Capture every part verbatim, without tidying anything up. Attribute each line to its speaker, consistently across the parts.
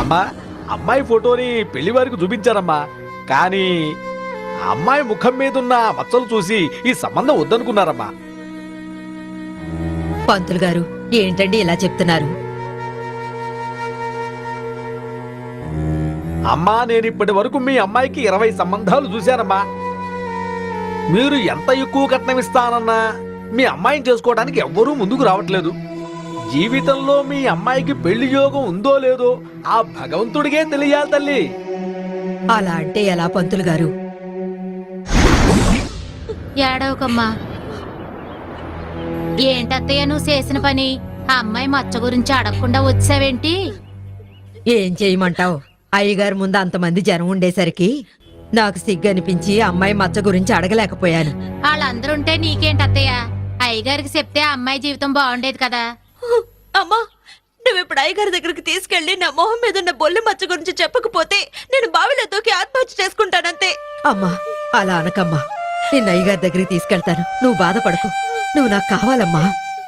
Speaker 1: అమ్మా అమ్మాయి ఫోటోని పెళ్లి వారికి చూపించారమ్మా, కానీ అమ్మాయి ముఖం మీద ఉన్న మచ్చలు చూసి ఈ సంబంధం వద్దనుకున్నారమ్మా.
Speaker 2: పంతులు గారు ఏంటండి ఇలా చెప్తున్నారు?
Speaker 1: అమ్మా నేను ఇప్పటి వరకు మీ అమ్మాయికి ఇరవై సంబంధాలు చూశానమ్మా. మీరు ఎంత ఎక్కువ కట్నం ఇస్తానన్నా మీ అమ్మాయిని చేసుకోవడానికి ఎవ్వరూ ముందుకు రావట్లేదు. జీవితంలో మీ అమ్మాయికి పెళ్లి యోగం ఉందో లేదో ఆ భగవంతుడికే తెలియాలి తల్లి.
Speaker 2: అలా అంటే ఎలా పంతులు గారు?
Speaker 3: ఏడవకమ్మా. ఏంటత్తయ్య నువ్వు చేసిన పని? ఆ అమ్మాయి మచ్చ గురించి అడగకుండా వచ్చావేంటి?
Speaker 2: ఏం చేయమంటావు? అయ్యగారు ముందు అంతమంది జనం ఉండేసరికి నాకు సిగ్గు అనిపించి అమ్మాయి మచ్చ గురించి అడగలేకపోయాను.
Speaker 3: వాళ్ళందరుంటే నీకేంటత్తయ్య? అయ్యగారికి చెప్తే ఆ అమ్మాయి జీవితం బాగుండేది కదా.
Speaker 4: అమ్మా, నువ్వు ఇప్పుడు అయ్యగారి దగ్గరికి తీసుకెళ్లి నా మొహం మీద ఉన్న బొల్లి మచ్చ గురించి చెప్పకపోతే నేను బావిలో దూకి ఆత్మహత్య చేసుకుంటానంతే.
Speaker 2: అమ్మా అలా అనకమ్మా. నిన్న అయ్యగారి దగ్గరికి తీసుకెళ్తాను, నువ్వు బాధపడకు. నువ్వు నాకు కావాలమ్మా.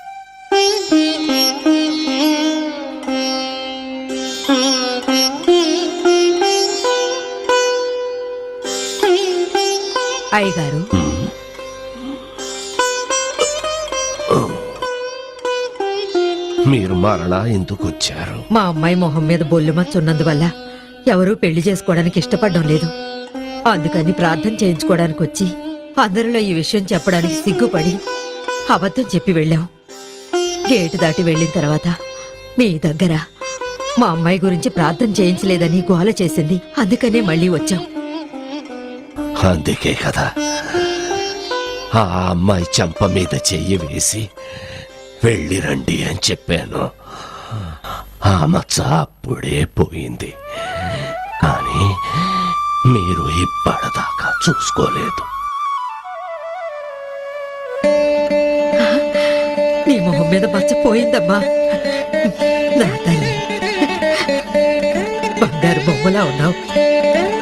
Speaker 2: అయ్యగారు,
Speaker 5: మీరు మరలా ఎందుకు వచ్చారు?
Speaker 2: మా అమ్మాయి మొహం మీద బొల్లు మచ్చ ఉన్నందువల్ల ఎవరూ పెళ్లి చేసుకోవడానికి ఇష్టపడడం లేదు. అందుకని ప్రార్థన చేయించుకోవడానికి వచ్చి అందరిలో ఈ విషయం చెప్పడానికి సిగ్గుపడి అబద్ధం చెప్పి వెళ్ళాం. గేటు దాటి వెళ్ళిన తర్వాత మీ దగ్గర మా అమ్మాయి గురించి ప్రార్థన చేయించలేదని గోల చేసింది. అందుకనే మళ్ళీ వచ్చాం.
Speaker 5: అందుకే కదా ఆ అమ్మాయి చెంప మీద చెయ్యి వేసి వెళ్ళి రండి అని చెప్పాను. ఆ మచ్చ అప్పుడే పోయింది, కానీ మీరు ఇప్పటిదాకా చూసుకోలేదు.
Speaker 2: నీ మొహం మీద మచ్చ పోయిందమ్మా. నా తల్లి, బంగారు బొమ్మలా ఉన్నావు.